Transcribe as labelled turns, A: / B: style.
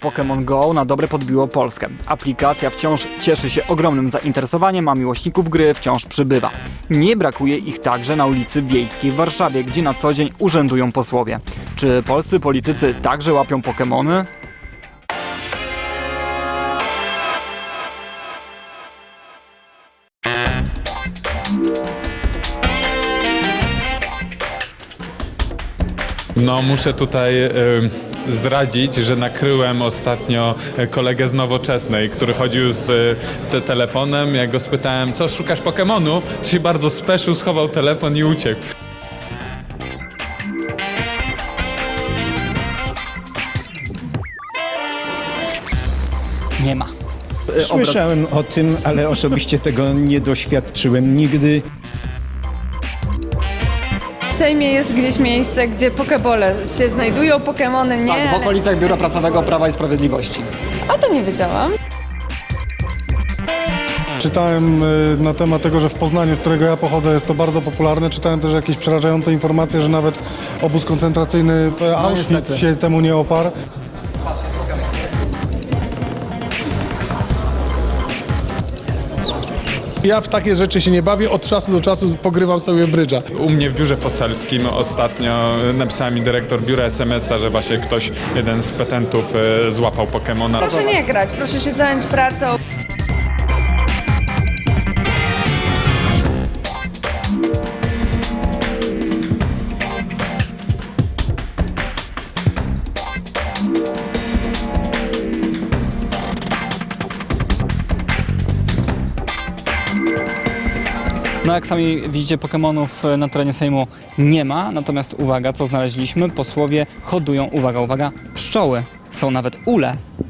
A: Pokémon Go na dobre podbiło Polskę. Aplikacja wciąż cieszy się ogromnym zainteresowaniem, a miłośników gry wciąż przybywa. Nie brakuje ich także na ulicy Wiejskiej w Warszawie, gdzie na co dzień urzędują posłowie. Czy polscy politycy także łapią Pokémony?
B: No muszę tutaj zdradzić, że nakryłem ostatnio kolegę z Nowoczesnej, który chodził z telefonem. Jak go spytałem, co szukasz Pokemonów, to się bardzo speszył, schował telefon i uciekł.
A: Nie ma.
C: Słyszałem o tym, ale osobiście tego nie doświadczyłem nigdy.
D: W Sejmie jest gdzieś miejsce, gdzie pokebole się znajdują, Pokemony nie,
A: Tak, w okolicach Biura Prasowego Prawa i Sprawiedliwości.
D: a to nie wiedziałam.
E: Czytałem na temat tego, że w Poznaniu, z którego ja pochodzę, jest to bardzo popularne. Czytałem też jakieś przerażające informacje, że nawet obóz koncentracyjny w Auschwitz
A: niestety.
E: się temu nie oparł.
F: Ja w takie rzeczy się nie bawię, od czasu do czasu pogrywam sobie brydża.
B: U mnie w biurze poselskim ostatnio napisała mi dyrektor biura SMS-a, że właśnie ktoś, jeden z petentów złapał Pokemona.
D: Proszę nie grać, proszę się zająć pracą.
A: No jak sami widzicie, Pokemonów na terenie Sejmu nie ma, natomiast uwaga, co znaleźliśmy, posłowie hodują, uwaga, uwaga, pszczoły. Są nawet ule.